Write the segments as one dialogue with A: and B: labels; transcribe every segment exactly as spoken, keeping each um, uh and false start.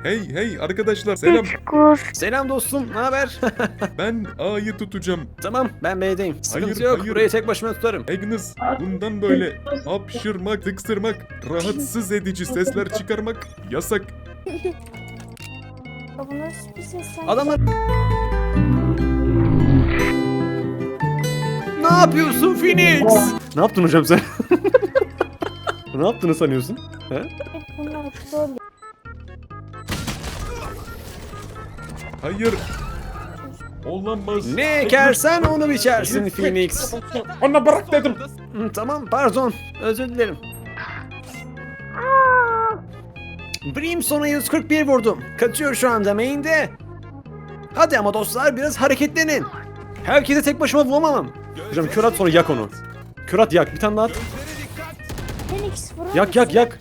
A: Hey hey arkadaşlar selam.
B: Selam dostum, ne haber?
A: Ben A'yı tutacağım.
B: Tamam, ben B'deyim. Sıkıntı
A: Hayır,
B: yok,
A: hayır.
B: burayı tek başıma tutarım.
A: Agnes bundan böyle hapşırmak, tıksırmak, rahatsız edici sesler çıkarmak yasak.
C: Bu nasıl bir ses sen?
B: Adamlar... Ne yapıyorsun Phoenix? Ne yaptın hocam sen? Ne yaptığını sanıyorsun? He?
C: Bunlar troll.
A: Hayır. Olamaz.
B: Ne ekersen onu biçersin Phoenix.
A: Ona bırak dedim.
B: Hı, Tamam, pardon. Özür dilerim. Brimstone'a yüz kırk bir vurdum. Kaçıyor şu anda main'de. Hadi ama dostlar biraz hareketlenin. Herkese tek başıma vuramam. Hocam kör at sonra yak onu. Kör at yak, bir tane daha at.
C: Phoenix vurur
B: Yak yak yak.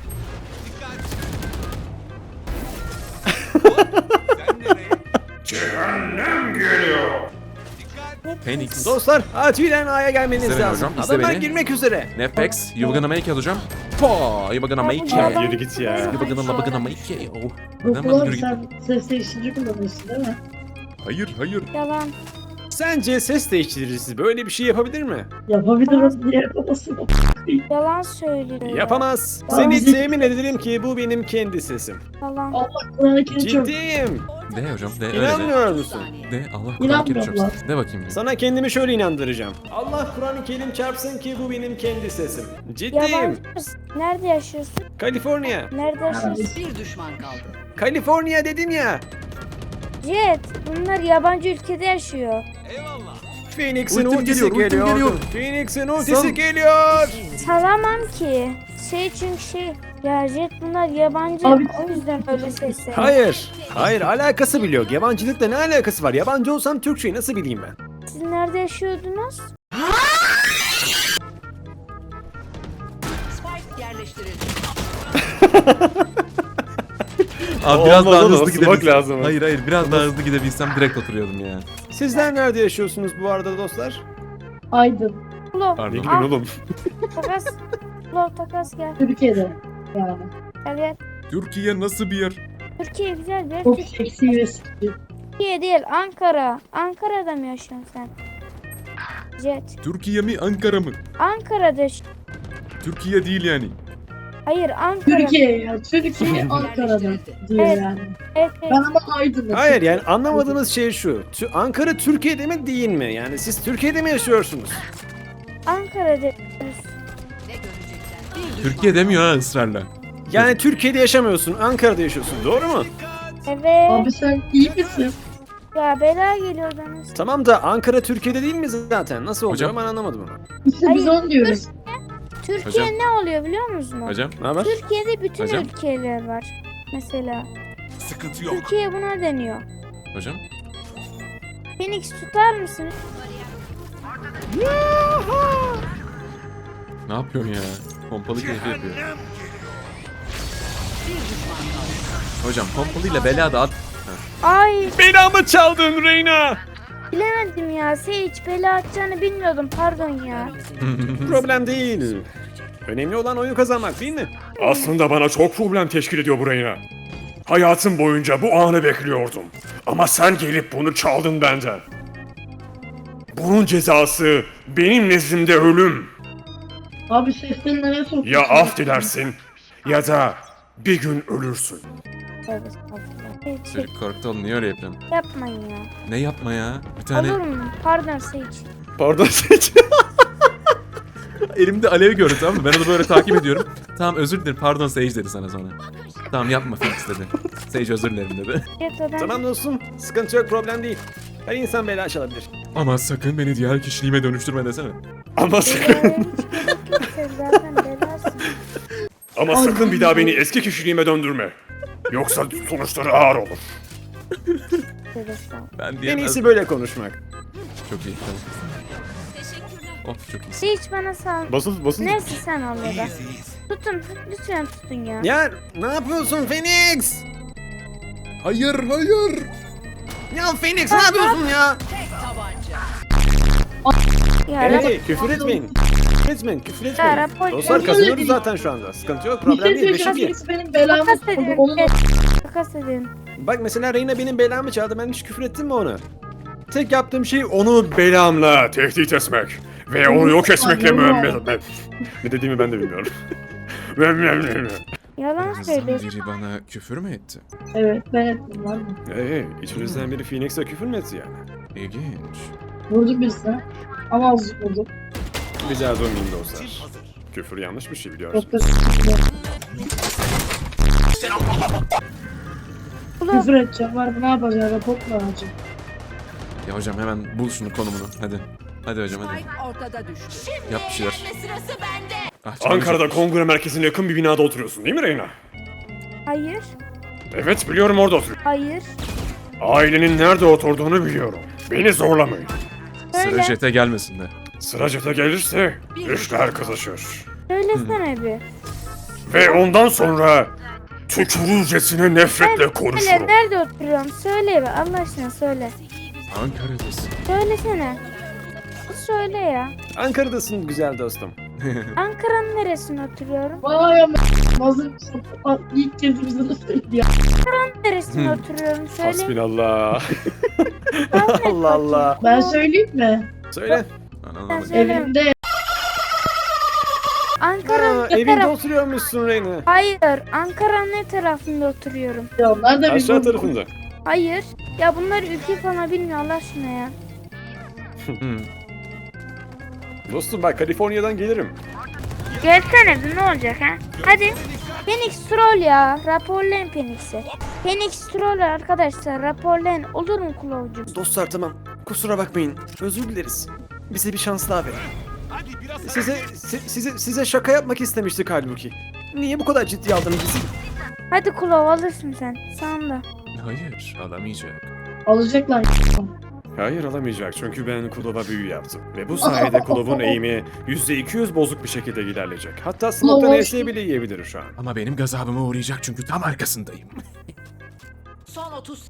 A: Phoenix.
B: Dostlar acilen A'ya gelmeniz
D: İzle beni
B: lazım.
D: hocam, izle
B: Adamlar
D: beni.
B: girmek üzere.
D: Netflix, you gonna make it hocam. Po, you gonna make it.
C: Ya,
B: Yürü git ya.
D: You gonna, you gonna make it. Oh. Hemen
E: Doktor
D: yürü git.
E: sen ses değiştirici kullanıyorsun değil mi?
A: Hayır hayır.
C: Yalan.
B: Sence ses değiştiricisi böyle bir şey yapabilir mi?
E: Yapabilirim diye yapamazsın.
C: Yalan söylüyor.
B: Yapamaz.
E: Ya,
B: Seni
E: bizi-
B: temin ederim ki bu benim kendi sesim.
C: Yalan.
E: Allah Kur'an-ı Kerim çok.
B: Ciddiyim.
D: De hocam, de öyle de.
B: İnanmıyor musun?
D: De Allah Kur'an
E: İnanmıyorum
D: kerim
E: lan.
D: çarpsın. De bakayım bir.
B: Sana kendimi şöyle inandıracağım. Allah Kur'an-ı Kerim çarpsın ki bu benim kendi sesim. Ciddiyim.
C: Yabancısın. Nerede yaşıyorsun?
B: Kaliforniya.
C: Nerede yaşıyorsun?
F: Bir düşman kaldı.
B: Kaliforniya dedim ya.
C: Jet. Bunlar yabancı ülkede yaşıyor.
B: Phoenix'in
A: Ultim
B: ultisi
A: geliyor, ultim
B: geliyor.
A: geliyor.
B: Phoenix'in ultisi
A: Sal.
B: geliyor.
C: Salamam ki. Şey çünkü şey. Ya Jet bunlar yabancı.
E: Abi-
C: O yüzden öyle sesler.
B: Hayır. Hayır alakası bile yok. Yabancılıkla ne alakası var? Yabancı olsam Türkçeyi nasıl bileyim ben?
C: Siz nerede yaşıyordunuz?
F: Spike yerleştirildi.
D: Abi biraz
B: Olmaz
D: daha
B: oğlum,
D: hızlı
B: ısınmak
D: gidebilsem.
B: lazım.
D: Hayır hayır biraz daha hızlı gidebilsem direkt oturuyordum ya.
B: Sizler nerede yaşıyorsunuz bu arada dostlar?
E: Aydın.
C: Ulo.
D: Pardon.
B: Ne
C: Ah.
B: gülün oğlum?
C: Takas. Ulo takas gel.
E: Türkiye'de. Yani.
C: Gel gel.
A: Türkiye nasıl bir yer?
C: Türkiye güzel bir yer.
E: Çok seksi ve sıkıcı.
C: Türkiye değil Ankara. Ankara'da mı yaşıyorsun sen? Jet.
A: Türkiye mi Ankara mı?
C: Ankara'da yaş-
A: Türkiye değil yani.
C: Hayır Ankara.
E: Türkiye ya. Türkiye Ankara'da diyor
C: Evet.
E: yani.
C: Evet, evet.
E: Ben ama Aydın'da.
B: Hayır yani anlamadığınız şey şu. Tü- Ankara Türkiye'de mi değil mi? Yani siz Türkiye'de mi yaşıyorsunuz?
C: Ankara'da.
F: Ne görecekler? Bir düşman
D: Türkiye demiyor ha ısrarla.
B: Yani Türkiye'de yaşamıyorsun, Ankara'da yaşıyorsun. Doğru mu?
C: Evet.
E: Abi sen iyi misin?
C: Ya bela geliyor bana.
B: Tamam da Ankara Türkiye'de değil mi zaten? Nasıl oluyor
D: Hocam.
B: ben anlamadım onu.
E: İşte biz
C: Hayır,
E: onu diyoruz.
C: Türkiye
D: Hocam.
C: ne oluyor biliyor musun?
D: Hocam.
B: Ne haber?
C: Türkiye'de bütün
D: Hocam.
C: ülkeler var. Mesela.
A: Sıkıntı yok.
C: Türkiye buna deniyor.
D: Hocam.
C: Phoenix tutar mısın?
D: Ne yapıyorsun ya? Pompalı keyfi yapıyor. Hocam pompalıyla bela da at.
C: Ay
B: Belamı çaldın Reyna.
C: bilemedim ya. Sage bela atacağını bilmiyordum. Pardon ya.
B: Problem değil. Önemli olan oyunu kazanmak değil mi? Aslında bana çok problem teşkil ediyor bu Reyna. Hayatım boyunca bu anı bekliyordum. Ama sen gelip bunu çaldın benden. Bunun cezası benim nezdimde ölüm.
E: Abi sesini nereye sokuyorsun?
B: Ya af dilersin ya da bir gün ölürsün.
C: Tövbe estağfurullah. Sage,
D: Çocuk korktu oğlum niye öyle yapıyorsun?
C: yapmayın ya.
D: Ne yapma ya? Bir tane
C: Olur mu? Pardon Sage.
D: pardon Sage. Elimde alev gördü tamam mı? Ben onu böyle takip ediyorum. Tamam özür dilerim pardon Sage dedi sana sonra. Tamam yapma Phoenix dedi. Sage özür dilerim dedi.
C: Jet o ben.
B: Tamam dostum, sıkıntı yok, problem değil. Her insan bela çalabilir.
A: Ama sakın beni diğer kişiliğime dönüştürme desene.
B: Ama
C: Belaya hiç gerek yok. Sen zaten belasın.
B: Ama sakın bir daha beni eski kişiliğime döndürme. Yoksa sonuçları ağır olur.
C: Tövbe estağfurullah.
D: Ben
B: En
D: diyemez.
B: iyisi böyle konuşmak.
D: Çok iyi. Tamam. Of çok iyi.
C: Sage bana sal.
B: Basın basın.
C: Neyse sen al ya da. Tutun. Lütfen tutun ya.
B: Ya ne yapıyorsun Phoenix?
A: Hayır hayır.
B: Ya Phoenix ne yapıyorsun ya?
F: tek tabanca.
C: Ya
B: Hey küfür etmeyin. etmeyin, küfür
C: Ya
B: etmeyin.
C: rapor
B: Dostlar kazanıyoruz zaten şu anda. Sıkıntı yok,
E: Bir
B: problem
E: şey
B: değil. Beşik
E: söyleyeceğim.
B: iyi.
E: Birisi benim belamı
C: Takas edin.
E: Onun
C: Takas edin.
B: Bak mesela Reyna benim belamı çaldı. Ben hiç küfür ettim mi ona? Tek yaptığım şey onu belamla tehdit etmek. Ve onu yok etmekle müemmel. Ne dediğimi ben de bilmiyorum.
C: Yalan
D: Birinizden
C: söylüyorsun.
D: biri bana küfür mü etti?
E: Evet ben ettim var mı?
B: Hey, içinizden biri Phoenix'e küfür mü etti yani?
D: İlginç.
E: Vurdu birisine. Ama azıcık vurdu.
B: Rica durmayın dostlar. Küfür yanlış bir şey biliyorsun.
E: Çok da küfür edeceğim var mı? Ne yapacağım? Rapor mu alacağım?
D: Ya hocam hemen bul şunu konumunu. Hadi. Hadi hocam hadi.
F: Spike ortada düştü.
D: Yap bir şeyler. Ah, çalacak.
B: Ankara'da kongre merkezine yakın bir binada oturuyorsun değil mi Reyna?
C: Hayır.
B: Evet biliyorum orada oturuyorsun.
C: Hayır.
B: Ailenin nerede oturduğunu biliyorum. Beni zorlamayın.
D: Sıra
C: Söyle.
D: jete gelmesin de.
B: Sıra jete gelirse işler kızışır.
C: Söylesene bir.
B: Ve ondan sonra tükürürcesine nefretle
C: Söyle
B: konuşurum.
C: nerede oturuyorum? Söyle be Allah aşkına söyle.
D: Ankara'dasın.
C: Söylesene. Söyle ya.
B: Ankara'dasın güzel dostum.
C: Ankara'nın neresinde oturuyorum?
E: Vay ama hazır mısın? Aa, İlk kez bize de söyledi ya.
C: Neresinde oturuyorum? Söyle.
B: Hasbinallah.
C: Tahmin et
B: Allah Allah.
E: Ben söyleyeyim mi?
B: Söyle.
D: Ananı
C: Söyle.
E: Evimde.
C: Ankara'nın
B: Ha,
C: ne
B: evinde
C: taraf?
B: oturuyormuşsun Reyna.
C: Hayır. Ankara'nın ne tarafında oturuyorum?
E: Ya onlar da bir
B: Aşağı
E: vurdu.
B: tarafında.
C: Hayır. Ya bunlar ülke falan bilmiyor Allah aşkına ya.
D: Hmm.
B: Dostum bak Kaliforniya'dan gelirim.
C: Gelsene bir ne olacak ha? Hadi. Phoenix troll ya. Raporlayın Phoenix'i. Phoenix troll arkadaşlar. Raporlayın. Olur mu Kulovcu?
B: Dostlar tamam. Kusura bakmayın. Özür dileriz. Bize bir şans daha verin. Size si- size size şaka yapmak istemiştik halbuki. Niye bu kadar ciddi aldınız bizi?
C: Hadi Kulov alırsın sen. Sen de.
D: Hayır alamayacak.
E: Alacaklar.
B: Hayır alamayacak çünkü ben Kulov'a büyü yaptım. Ve bu sayede Kulov'un eğimi yüzde iki yüz bozuk bir şekilde ilerleyecek. Hatta smoke'tan
E: Kulov-
B: E S bile yiyebilir şu an.
D: Ama benim gazabıma uğrayacak çünkü tam arkasındayım.
F: Son otuz.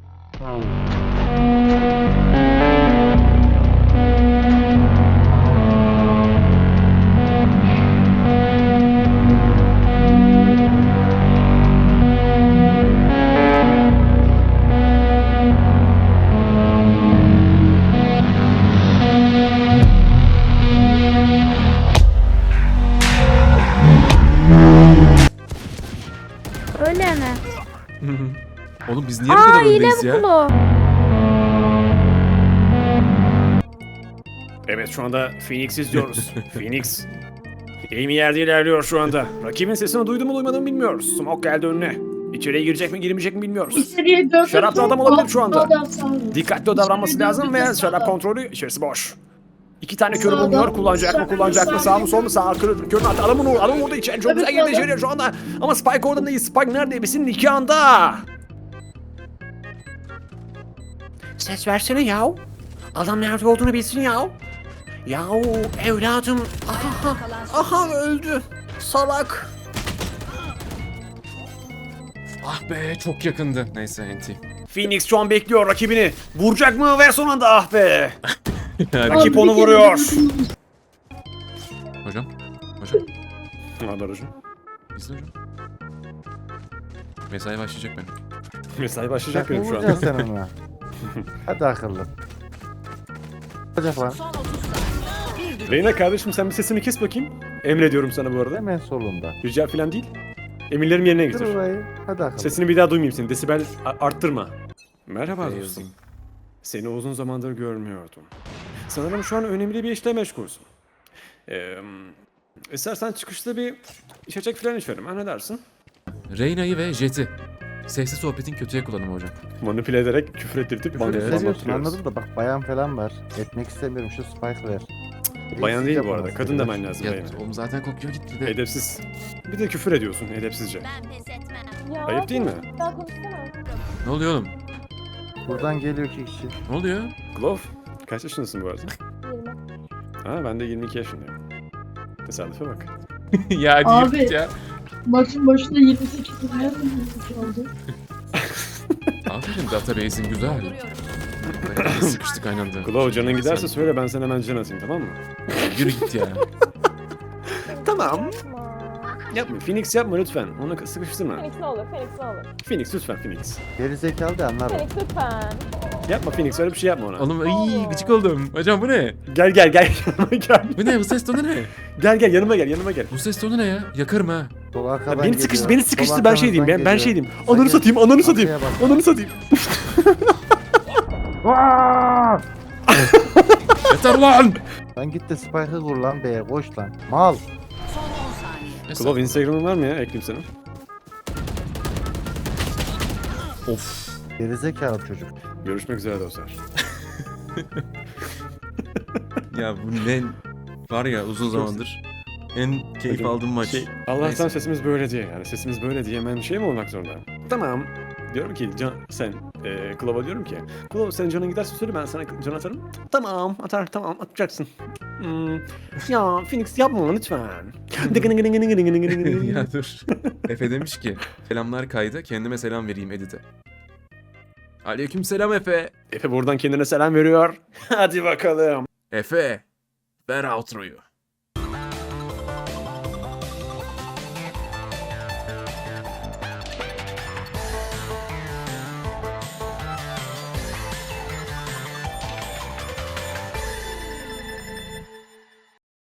C: Öyle mi?
D: Oğlum biz niye bu
C: Aa
D: kadar
C: hile
D: öndeyiz
C: bu
D: ya?
C: Kulov.
B: Evet şu anda Phoenix izliyoruz. Phoenix. Amy yerde ilerliyor şu anda. Rakibin sesini duydu mu duymadı mı bilmiyoruz. Smoke geldi önüne. İçeriye girecek mi girmeyecek mi bilmiyoruz.
E: İçeriye döndüm.
B: Şaraplı adam olabilir şu anda.
E: Adam sağ-
B: Dikkatli davranması
E: İçeriye
B: lazım
E: döndüm,
B: ve şarap
E: sağdan.
B: kontrolü içerisi boş. İki tane körü
E: Sağdan,
B: bulunuyor. Kullanacak mı
E: sağdan,
B: kullanacak mı sağ mı sol mu sağ kör, körün altı adamın orada adamın orada içeri çok
E: Evet,
B: güzel girdi
E: sağdan.
B: içeriye şu anda. Ama Spike orada değil. Spike nerede? Ebesin nikahında. Ses versene yav. Adam nerede olduğunu bilsin yav. Yav evladım. Aha, aha öldü. Salak.
D: Ah be çok yakındı. Neyse enti.
B: Phoenix şu an bekliyor rakibini. Vuracak mı ve son anda ah be.
D: Yani,
B: Rakip
E: Abi,
B: onu
E: bir kere
B: vuruyor.
E: döndüm.
D: hocam. Hocam.
B: Ne haber hocam?
D: İzle hocam. Mesai başlayacak benim.
B: Mesai başlayacak benim şu anda.
G: Vuracaksın sen ona. Hadi akıllı. Olacak lan.
F: Son otuz saniye. Bir düştü.
B: Reyna kardeşim sen bir sesini kes bakayım. Emrediyorum sana bu arada.
G: Hemen solunda.
B: Rica falan değil. Emirlerim yerine
G: Dur
B: getir.
G: orayı. Hadi akıllı.
B: Sesini bir daha duymayayım seni. Desibel a- arttırma. Merhaba
D: Ee,
B: dostum.
D: yazayım.
B: Seni uzun zamandır görmüyordum. Sanırım şu an önemli bir işle meşgulsün. Ee, istersen çıkışta bir içecek falan içerim. Ha ne dersin?
D: Reyna'yı ve Jet'i. Sesli sohbetin kötüye kullanımı hocam.
B: Manipüle ederek küfür ettirtip bana
D: Evet.
B: falan
G: Seviyorsun
B: atıyoruz.
G: anladım da bak bayan falan var. Etmek istemiyorum şu spike ver.
B: Bayan değil bu
G: Yapamaz
B: arada. Kadın
G: dediler.
B: demen lazım
D: Ya
B: Reyna.
D: oğlum zaten kokuyor gitti de.
B: Edepsiz. Bir de küfür ediyorsun edepsizce.
C: Ya,
B: Ayıp değil mi?
C: daha konuşsana.
D: Ne oluyor oğlum?
G: Buradan geliyor iki kişi.
D: Ne oluyor?
B: Glove, kaç yaşındasın bu arada?
C: Yirmi.
B: Ha ben de yirmi iki yaşındayım. Tesadüfe bak.
D: ya hadi
E: Abi.
D: git ya.
E: Maçın başında yirmi sekiz nerede yirmi sekiz oldu?
D: Aferin database'in güzel. Bayağı sıkıştık aynı anda.
B: Glove canın giderse söyle ben sana hemen can atayım tamam mı?
D: Yürü git ya.
B: Tamam. Yapma. Phoenix yapma lütfen. Onu sıkıştırma.
H: Phoenix ne olur, Phoenix ne olur.
B: Phoenix lütfen Phoenix.
G: Geri zekalı da anlar.
H: Phoenix lütfen.
B: Yapma Phoenix öyle bir şey yapma ona.
D: Oğlum iyi gıcık oldum. Hocam bu ne?
B: Gel gel gel yanıma gel.
D: Bu ne? Bu ses tonu ne?
B: Gel gel yanıma gel yanıma gel.
D: Bu ses tonu ne ya? Yakarım ha.
G: Sol
B: Ya
G: arkadan
B: beni sıkıştı
G: geliyor.
B: beni sıkıştı
G: Sol
B: ben şey diyeyim ben,
G: arkanızdan
B: ben şey
G: geliyor.
B: diyeyim. Ananı satayım ananı satayım.
G: Arkaya bak.
B: Ananı satayım.
D: Yeter lan!
G: Lan git de spike'ı kur lan be. Koş lan. Mal.
F: Son on saniye.
B: Klov Instagram'ın var mı ya? Ekleyeyim sana.
D: Of.
G: Geri zekalı çocuk.
B: Görüşmek üzere dostlar.
D: Ya bu ne? Var ya uzun zamandır en keyif aldığım maç.
B: Şey, Allah'tan
D: Neyse.
B: sesimiz böyle diye yani sesimiz böyle diye hemen şey mi olmak zorunda? Tamam. Diyorum ki can, sen e, Klov'a diyorum ki Klov sen canın giderse söyle ben sana can atarım. Tamam atar tamam atacaksın. Hmm. Ya Phoenix yapma lütfen.
D: Ya dur. Efe demiş ki selamlar kayda kendime selam vereyim edite. Aleyküm selam Efe.
B: Efe buradan kendine selam veriyor. Hadi bakalım.
D: Efe ver outro'yu.